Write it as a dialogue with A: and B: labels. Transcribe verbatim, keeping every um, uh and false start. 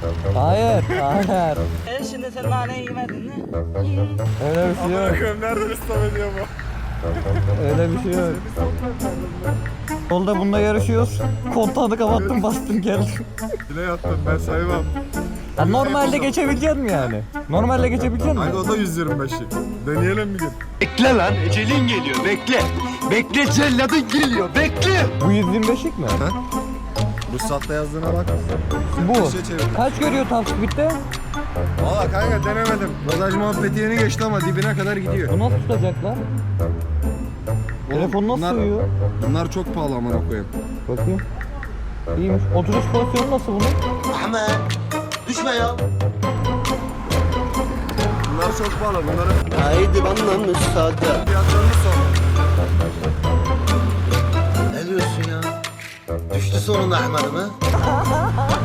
A: Hayır, hayır.
B: E şimdi sen naneyi yemedin mi?
A: Öyle bir şey yok.
C: Bakıyorum nereden ıslah ediyor bu?
A: Öyle bir şey yok. Yolda bununla yarışıyoruz. Kontağını kapattım, bastım geldim.
C: Bile yaptım ben saymam.
A: Ya normalde geçebilecek mi yani? Normalde geçebilecek mi?
C: Kanka o da yüz yirmi beşi. Deneyelim bir gün.
D: Bekle lan, ecelin geliyor, bekle. Bekle, celladın geliyor, bekle.
A: Bu yüz yirmi beşlik mi?
C: Ruhsatta yazdığına bak.
A: Bu.
C: Şey çevir.
A: Kaç görüyor top speed'de?
C: Valla kanka denemedim. Rodaj muhabbeti yeni geçti ama dibine kadar gidiyor.
A: Bu nasıl tutacak lan? Telefon nasıl
C: bunlar,
A: uyuyor?
C: bunlar çok pahalı amına koyayım.
A: Bakayım. İyiymiş. Oturuş pozisyonu nasıl bunun?
D: Ahmet, düşme ya.
C: Bunlar çok pahalı. Bunların
D: Haydi bana müsaade.
C: fiyatlarını sor.
D: Ne diyorsun ya? Düştü sonunda Ahmet'im ha?